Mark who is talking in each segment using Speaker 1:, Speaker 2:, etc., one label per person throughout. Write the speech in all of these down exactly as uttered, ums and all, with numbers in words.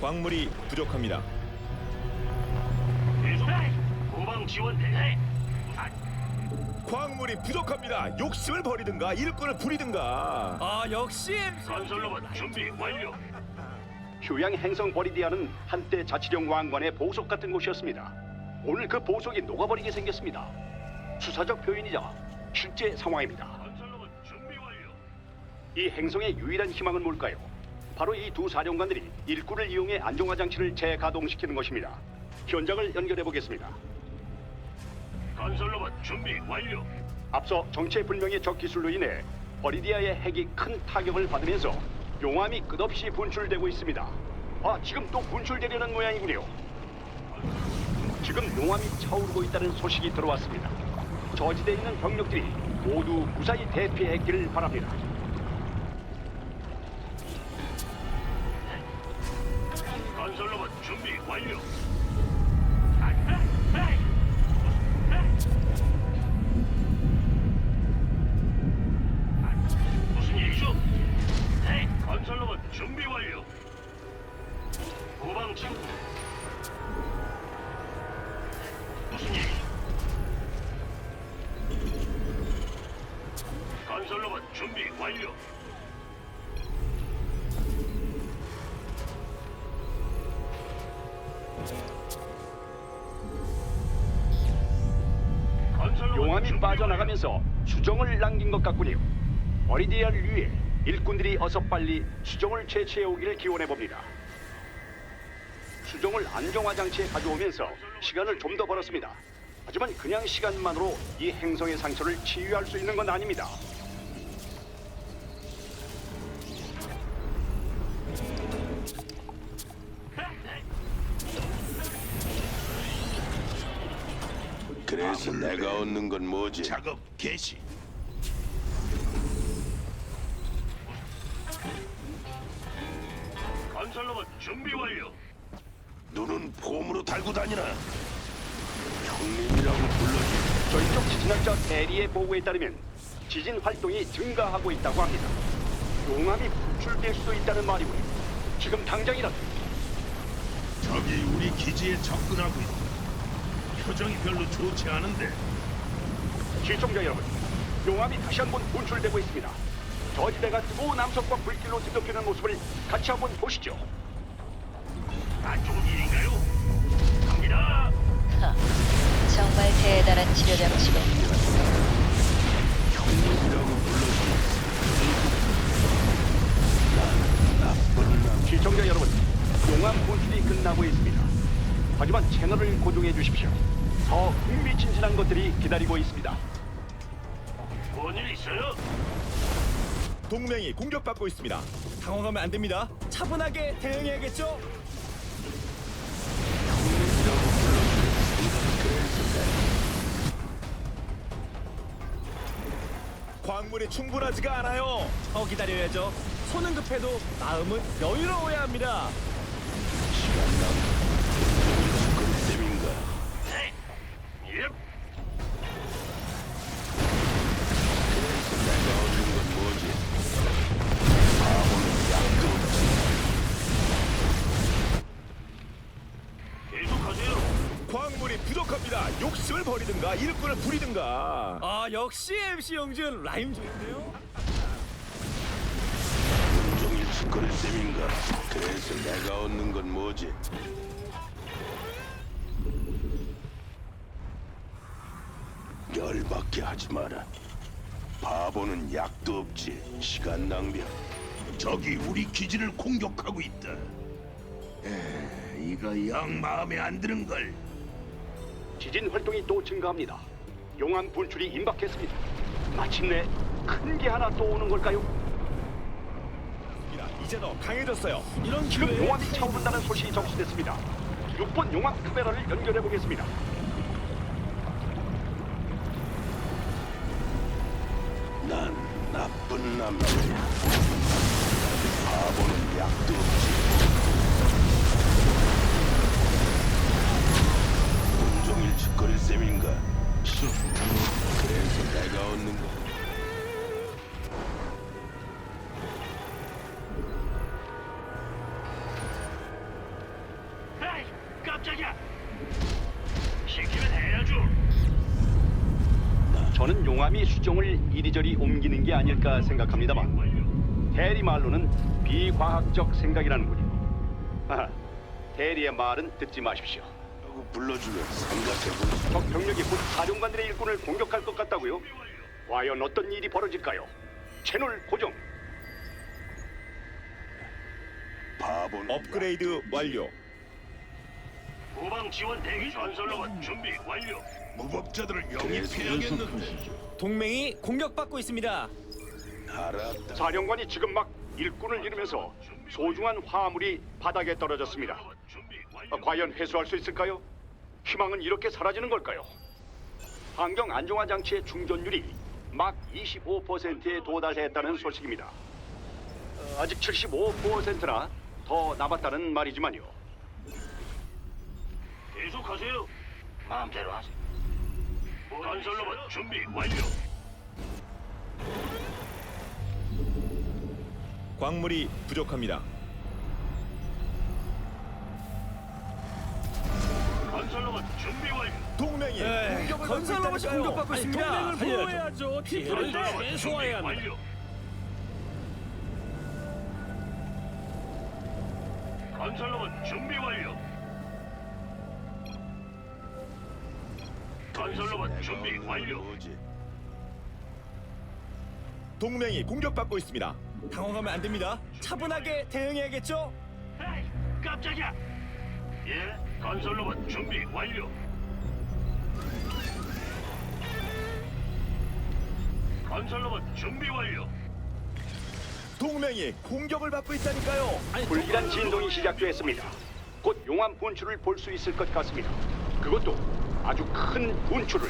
Speaker 1: 광물이 부족합니다.
Speaker 2: 계속 후방 지원 대기.
Speaker 1: 광물이 부족합니다. 욕심을 버리든가 일꾼을 부리든가.
Speaker 3: 아 역시
Speaker 2: 건설로봇 준비 완료.
Speaker 4: 휴양 행성 버리디아는 한때 자치령 왕관의 보석 같은 곳이었습니다. 오늘 그 보석이 녹아버리게 생겼습니다. 수사적 표현이자 실제 상황입니다.
Speaker 2: 건설로봇 준비 완료.
Speaker 4: 이 행성의 유일한 희망은 뭘까요? 바로 이 두 사령관들이 일꾼을 이용해 안정화 장치를 재가동시키는 것입니다. 현장을 연결해 보겠습니다.
Speaker 2: 건설로봇 준비 완료.
Speaker 4: 앞서 정체불명의 적 기술로 인해 버리디아의 핵이 큰 타격을 받으면서 용암이 끝없이 분출되고 있습니다. 아, 지금 또 분출되려는 모양이군요. 지금 용암이 차오르고 있다는 소식이 들어왔습니다. 저지대에 있는 병력들이 모두 무사히 대피했기를 바랍니다.
Speaker 2: 건설로봇 준비 완료. 무슨 일이죠? 네, 건설로봇 준비 완료. 후방 지원. 무슨 일이죠? 건설로봇 준비 완료. 건설로봇
Speaker 4: 용암이
Speaker 2: 준비
Speaker 4: 빠져나가면서 수정을 남긴 것 같군요. 버리디아를 위해 일꾼들이 어서 빨리 수정을 채취해 오기를 기원해 봅니다. 수정을 안정화 장치에 가져오면서 시간을 좀 더 벌었습니다. 하지만 그냥 시간만으로 이 행성의 상처를 치유할 수 있는 건 아닙니다.
Speaker 5: 그래서 내가 얻는 건 뭐지?
Speaker 6: 작업 개시.
Speaker 2: 건설로봇 준비 완료.
Speaker 5: 눈은 폼으로 달고 다니나? 형님이라고 불러주.
Speaker 4: 저희 쪽 지진학자 대리의 보고에 따르면 지진 활동이 증가하고 있다고 합니다. 용암이 분출될 수도 있다는 말이고요. 지금 당장이라도
Speaker 6: 적이 우리 기지에 접근하고 있다. 표정이 별로 좋지 않은데.
Speaker 4: 시청자 여러분, 용암이 다시 한번 분출되고 있습니다. 저지대가 뜨거운 남석과 불길로 뒤덮이는 모습을 같이 한번 보시죠.
Speaker 2: 안 좋은 일인가요? 갑니다.
Speaker 7: 하, 정말 대단한 치료 장치고
Speaker 5: 형님이라고 불러주. 난 나쁜 남.
Speaker 4: 시청자 여러분, 용암 분출이 끝나고 있습니다. 하지만 채널을 고정해 주십시오. 더 흥미진진한 것들이 기다리고 있습니다.
Speaker 2: 뭔 일 있어요?
Speaker 1: 동맹이 공격받고 있습니다.
Speaker 3: 당황하면 안 됩니다. 차분하게 대응해야겠죠?
Speaker 1: 광물이 충분하지가 않아요.
Speaker 3: 더 기다려야죠. 손은 급해도 마음은 여유로워야 합니다.
Speaker 5: 그 셈인가?
Speaker 2: 네. 예.
Speaker 5: 내가 얻는 건 뭐지? 바보는 약도 없지.
Speaker 2: 계속하세요.
Speaker 1: 광물이 부족합니다. 욕심을 버리든가 일꾼을 부리든가.
Speaker 3: 아 역시 엠씨 영준 라임 좋은데요?
Speaker 5: 온종일 짓거릴 셈인가? 그래서 내가 얻는 건 뭐지? 열받게 하지 마라. 바보는 약도 없지. 시간 낭비야.
Speaker 6: 적이 우리 기지를 공격하고 있다. 에, 이거 영 마음에 안 드는 걸.
Speaker 4: 지진 활동이 또 증가합니다. 용암 분출이 임박했습니다. 마침내 큰 게 하나 또 오는 걸까요?
Speaker 1: 이제 더 강해졌어요.
Speaker 3: 이런
Speaker 4: 지금
Speaker 3: 기회에
Speaker 4: 용암이 차오른다는 소식이 접수됐습니다. 육 번 용암 카메라를 연결해 보겠습니다.
Speaker 5: 난 나쁜 남자야. 바보는 약도 없지. 온종일 짓거릴 셈인가? 그래서 내가 얻는 거.
Speaker 4: 용암이 수정을 이리저리 옮기는 게 아닐까 생각합니다만 대리 말로는 비과학적 생각이라는군요. 하하, 대리의 말은 듣지 마십시오.
Speaker 5: 라고 불러주면 생각해보지.
Speaker 4: 적 병력이 곧 사령관들의 일꾼을 공격할 것 같다고요? 과연 어떤 일이 벌어질까요? 채널 고정.
Speaker 5: 바보는
Speaker 1: 업그레이드 완료.
Speaker 2: 후방 지원 대기 중. 건설로봇 준비 완료.
Speaker 6: 무법자들을
Speaker 5: 그래서
Speaker 6: 영입해야겠는데.
Speaker 3: 동맹이 공격받고 있습니다.
Speaker 5: 알았다.
Speaker 4: 사령관이 지금 막 일꾼을 잃으면서 소중한 화물이 바닥에 떨어졌습니다.
Speaker 2: 준비 완료.
Speaker 4: 어, 과연 회수할 수 있을까요? 희망은 이렇게 사라지는 걸까요? 환경 안정화 장치의 충전율이 막 이십오 퍼센트에 도달했다는 소식입니다. 어, 아직 칠십오 퍼센트나 더 남았다는 말이지만요.
Speaker 2: 계속하세요. 마음대로 하세요. 건설로봇 준비 완료.
Speaker 1: 광물이 부족합니다.
Speaker 2: 건설로봇 준비 완료.
Speaker 1: 동맹이 공격을
Speaker 3: 건설
Speaker 1: 받고
Speaker 3: 로봇이
Speaker 1: 있다니까요.
Speaker 3: 공격받고 있습니다.
Speaker 8: 동맹을 보호해야죠. 피해를
Speaker 2: 건설로봇
Speaker 8: 최소화해야
Speaker 2: 준비
Speaker 8: 합니다.
Speaker 2: 완료. 건설로봇 준비 완료. 건설로봇 준비 완료.
Speaker 5: 뭐지?
Speaker 1: 동맹이 공격받고 있습니다.
Speaker 3: 당황하면 안 됩니다. 차분하게 대응해야겠죠?
Speaker 2: 에이, 깜짝이야. 예, 건설로봇 준비 완료. 건설로봇 준비 완료.
Speaker 1: 동맹이 공격을 받고 있다니까요.
Speaker 4: 불길한 진동이 시작됐습니다. 곧 용암 분출을 볼 수 있을 것 같습니다. 그것도 아주 큰 분출을.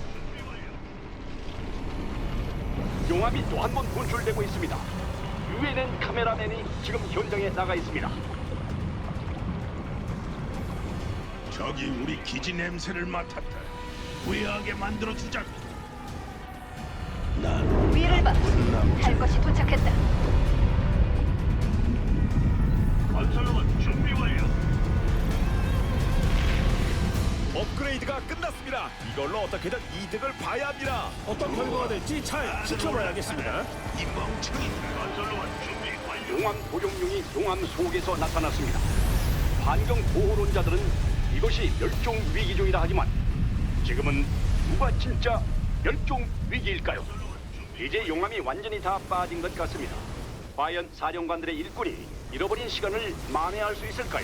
Speaker 4: 용암이 또 한 번 분출되고 있습니다. 유엔엔 카메라맨이 지금 현장에 나가 있습니다.
Speaker 6: 저기 우리 기지 냄새를 맡았다. 후회하게 만들어 주자고.
Speaker 5: 난
Speaker 7: 위를 봐. 할 것이 도착했다.
Speaker 2: 건설로봇 준비 완료.
Speaker 1: 업그레이드가 끝났습니다. 이걸로 어떻게든 이득을 봐야 합니다.
Speaker 8: 어떤 결과가 될지 잘 지켜봐야겠습니다.
Speaker 6: 이 멍청이.
Speaker 2: 건설로봇 준비 완료.
Speaker 4: 용암 보룡룡이 용암 속에서 나타났습니다. 환경 보호론자들은 이것이 멸종 위기종이라 하지만 지금은 누가 진짜 멸종 위기일까요? 이제 용암이 완전히 다 빠진 것 같습니다. 과연 사령관들의 일꾼이 잃어버린 시간을 만회할 수 있을까요?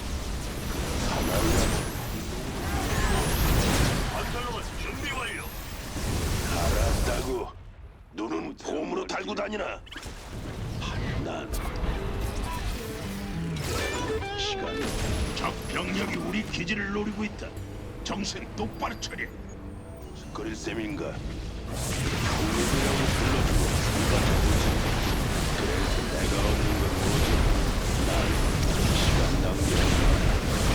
Speaker 2: 건설로봇 준비 완료.
Speaker 5: 알았다고. 눈은 폼으로 달고 다니나? 난 시간
Speaker 6: 적 병력이 우리 기지를 노리고 있다. 정신 똑바로 차려.
Speaker 5: 거릴 셈인가? 형님이라고 불러주고 생각해보지. 그래서 내가 얻는 건 뭐지? 난 시간 낭비하지 마라.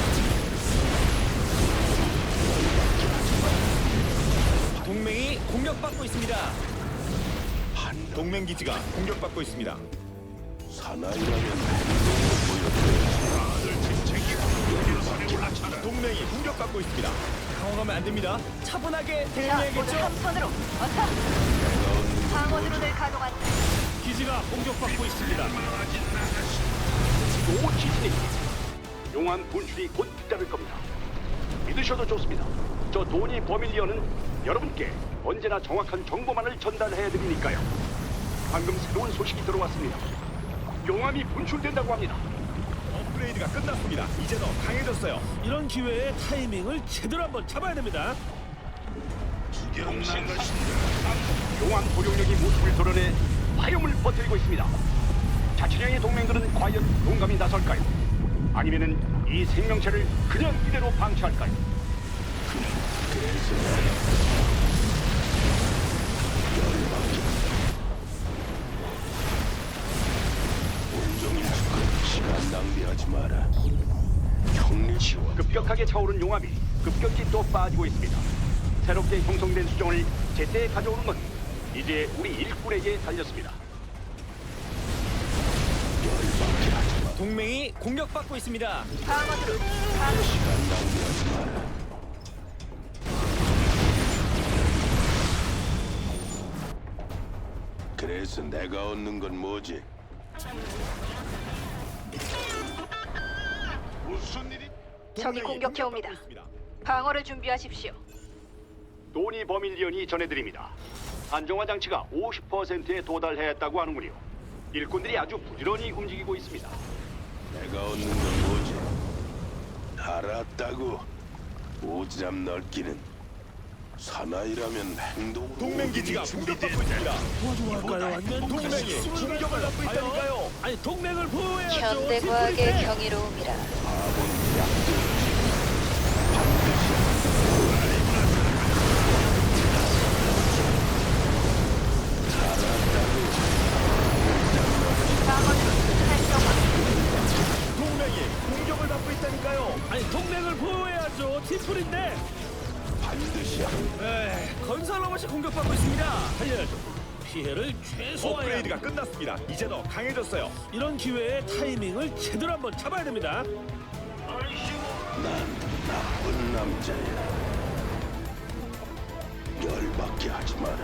Speaker 3: 동맹이 공격받고 있습니다.
Speaker 5: 한
Speaker 1: 동맹 기지가 공격받고 있습니다.
Speaker 5: 사나이라면 행동으로 보여줘야지.
Speaker 6: 다들 집책이야. 산에 올라차라.
Speaker 1: 동맹이 공격받고 있습니다.
Speaker 3: 당황하면 안 됩니다. 차분하게
Speaker 7: 자, 모두
Speaker 3: 대응해야겠죠?
Speaker 7: 한 손으로. 어서. 방어드론을 가동한다.
Speaker 8: 기지가 공격받고 있습니다.
Speaker 4: 또 지진이 용암 분출이 곧 잇따를 겁니다. 믿으셔도 좋습니다. 저 도니 버밀리언은 여러분께 언제나 정확한 정보만을 전달해 드리니까요. 방금 새로운 소식이 들어왔습니다. 용암이 분출된다고 합니다.
Speaker 1: 업그레이드가 끝났습니다. 이제 더 강해졌어요.
Speaker 8: 이런 기회에 타이밍을 제대로 한번 잡아야 됩니다.
Speaker 6: 구경 나가신다.
Speaker 4: 용암 보룡력이 모습을 드러내 화염을 퍼뜨리고 있습니다. 자치령의 동맹들은 과연 용감히 나설까요? 아니면은 이 생명체를 그냥 이대로 방치할까요?
Speaker 5: 그래서 내가 온종일 죽고 시간 낭비하지 마라. 형님 지원.
Speaker 4: 급격하게 차오른 용암이 급격히 또 빠지고 있습니다. 새롭게 형성된 수정을 제때 가져오는 건 이제 우리 일꾼에게 달렸습니다.
Speaker 5: 열받게 하지 마.
Speaker 3: 동맹이 공격받고 있습니다.
Speaker 7: 방어드론 가동.
Speaker 5: 시간 낭비하지 마라. 그래서 내가 얻는 건 뭐지?
Speaker 6: 무슨 일이?
Speaker 7: 적이 공격해 옵니다. 방어를 준비하십시오.
Speaker 4: 도니 버밀리언이 전해드립니다. 안정화 장치가 오십 퍼센트에 도달했다고 하는군요. 일꾼들이 아주 부지런히 움직이고 있습니다.
Speaker 5: 내가 얻는 건 뭐지? 알았다고. 오지랖 넓기는 사나이라면 행동.
Speaker 1: 동맹 기지가 공격받고 있습니다.
Speaker 8: 도와줘할까요? 아니면
Speaker 1: 동맹이 공격을 받고 있다니까요.
Speaker 8: 아니 동맹을 보호해야죠.
Speaker 7: 현대과학의
Speaker 8: 팀플인데.
Speaker 7: 경이로움이라.
Speaker 5: 바보는 약도
Speaker 1: 동맹이 공격을 받고 있다니까요.
Speaker 8: 아니 동맹을 보호해야죠. 팀플인데.
Speaker 5: 반드시 한다.
Speaker 3: 에이, 건설 로봇이 공격받고 있습니다.
Speaker 8: 살려야죠. 피해를 최소화해야
Speaker 1: 업그레이드가
Speaker 8: 합니다.
Speaker 1: 끝났습니다. 이제 더 강해졌어요.
Speaker 8: 이런 기회에 타이밍을 제대로 한번 잡아야 됩니다.
Speaker 5: 난 나쁜 남자야. 열받게 하지 마라.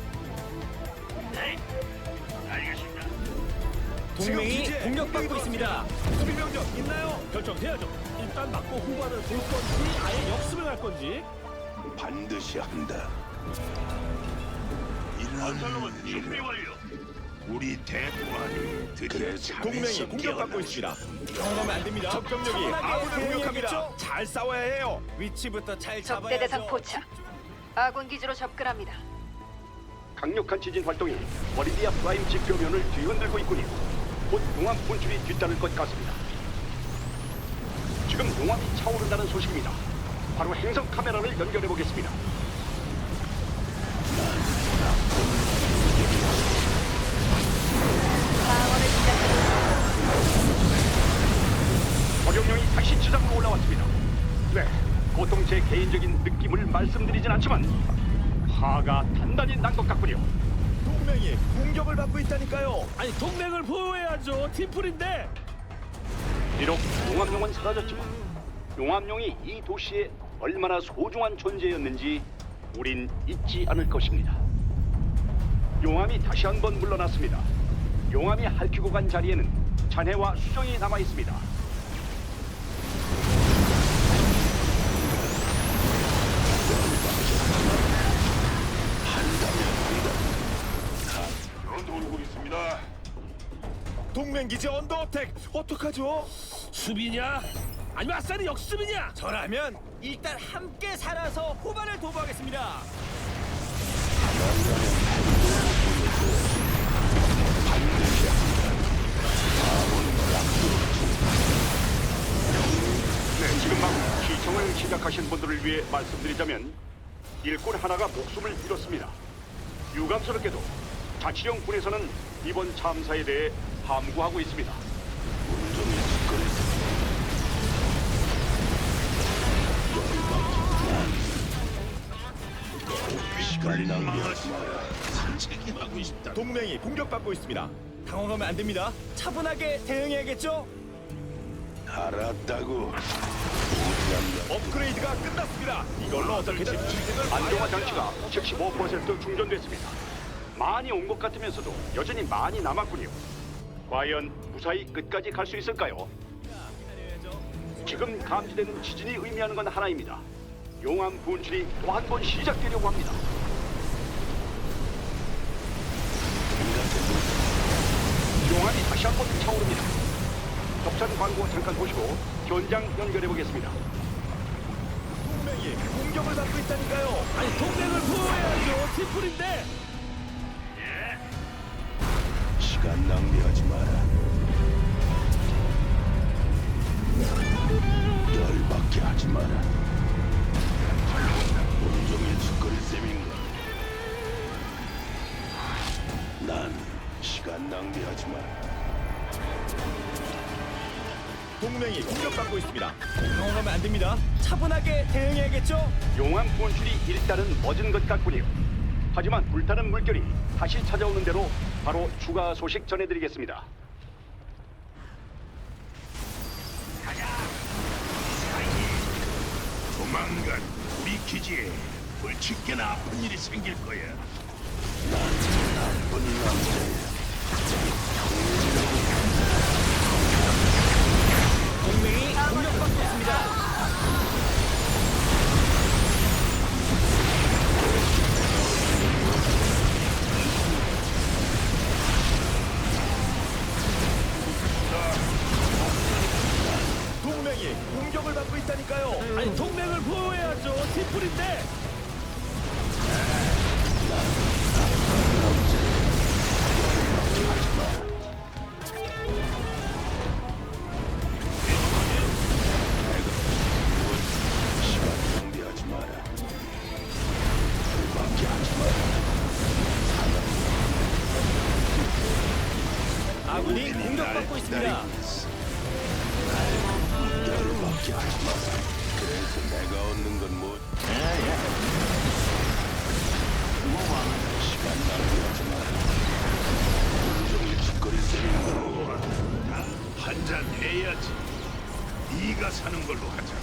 Speaker 2: 네, 알겠습니다.
Speaker 3: 동맹이
Speaker 1: 기지에
Speaker 3: 공격받고
Speaker 1: 공격이
Speaker 3: 있습니다.
Speaker 1: 수비 병력 있나요?
Speaker 8: 결정해야죠. 일단 맞고 후반을 볼 건지 아예 역습을 갈 건지.
Speaker 5: 반드시 한다.
Speaker 2: 건설로봇
Speaker 6: 이런
Speaker 2: 준비
Speaker 6: 일.
Speaker 2: 완료.
Speaker 6: 우리 대관이 드디어
Speaker 5: 그래서
Speaker 1: 동맹이
Speaker 6: 잠에서
Speaker 1: 공격받고
Speaker 6: 깨어나지.
Speaker 1: 있습니다.
Speaker 3: 당하면 안 됩니다.
Speaker 1: 적병력이 아군을 공격합니다.
Speaker 3: 대응해야겠죠?
Speaker 1: 잘 싸워야 해요.
Speaker 3: 위치부터 잘
Speaker 7: 적대 대상
Speaker 3: 잡아야죠.
Speaker 7: 포착. 아군 기지로 접근합니다.
Speaker 4: 강력한 지진 활동이 버리디아 프라임 지표면을 뒤흔들고 있군요. 곧 용암 분출이 뒤따를 것 같습니다. 지금 용암이 차오른다는 소식입니다. 바로 행성 카메라를 연결해 보겠습니다.
Speaker 7: 방어를 시작합니다.
Speaker 4: 어룡령이 다시 지상으로 올라왔습니다. 네, 보통 제 개인적인 느낌을 말씀드리진 않지만 화가 단단히 난 것 같군요.
Speaker 1: 동맹이 공격을 받고 있다니까요.
Speaker 8: 아니 동맹을 보호해야죠. 팀플인데.
Speaker 4: 비록 용암용은 사라졌지만 용암용이 이 도시에 얼마나 소중한 존재였는지 우린 잊지 않을 것입니다. 용암이 다시 한번 물러났습니다. 용암이 핥히고 간 자리에는 잔해와 수정이 남아 있습니다.
Speaker 6: 돌고 있습니다.
Speaker 1: 동맹 기지 언더어택 어떡하죠?
Speaker 8: 수비냐? 아니면 아싸리 역습이냐?
Speaker 3: 저라면 일단 함께 살아서 후반을 도모하겠습니다.
Speaker 4: 네, 지금 막 시청을 시작하신 분들을 위해 말씀드리자면 일꾼 하나가 목숨을 잃었습니다. 유감스럽게도 자치령 군에서는 이번 참사에 대해 함구하고 있습니다.
Speaker 5: 온종일 짓거렸어. 시간 낭비하지 마라.
Speaker 6: 산책이 하고 싶다.
Speaker 1: 동맹이 공격받고 있습니다.
Speaker 3: 당황하면 안 됩니다. 차분하게 대응해야겠죠?
Speaker 5: 알았다고. 오지랖 넓
Speaker 1: 업그레이드가 끝났습니다. 이걸로 어떻게든 인생을
Speaker 4: 안정화 장치가 칠십오 퍼센트 충전됐습니다. 많이 온 것 같으면서도 여전히 많이 남았군요. 과연 무사히 끝까지 갈 수 있을까요? 지금 감지되는 지진이 의미하는 건 하나입니다. 용암 분출이 또 한 번 시작되려고 합니다. 용암이 다시 한 번 차오릅니다. 협찬 광고 잠깐 보시고 현장 연결해 보겠습니다.
Speaker 1: 동맹이 공격을 받고 있다니까요.
Speaker 8: 아니 동맹을 보호해야죠. 팀플인데.
Speaker 5: 시간 낭비하지 마라. 열받게 하지 마라. 온종일 짓거릴 셈인가? 난 시간 낭비하지 마라.
Speaker 1: 동맹이 공격받고 있습니다.
Speaker 3: 당황하면 안 됩니다. 차분하게 대응해야겠죠?
Speaker 4: 용암 분출이 일단은 멎은 것 같군요. 하지만 불타는 물결이 다시 찾아오는 대로 바로 추가 소식 전해드리겠습니다.
Speaker 6: 조만간 우리 기지에 불치게나 아픈 일이 생길 거야.
Speaker 5: 난 나쁜 남자야.
Speaker 3: 동맹이 공격받고 있습니다.
Speaker 1: 동맹이 공격을 받고 있다니까요.
Speaker 8: 아니 동맹을 보호해야죠. 팀플인데.
Speaker 5: 시간 낭비하지 마라. 열받게 하지 마라.
Speaker 3: 아군이 공격받고 있습니다.
Speaker 5: 열받게 하지 마라. 그래서 내가 얻는 건 뭐? 시간 낭비하지 마라. 온종일 짓거릴 셈이고.
Speaker 6: 한잔 해야지. 네가 사는 걸로 하자.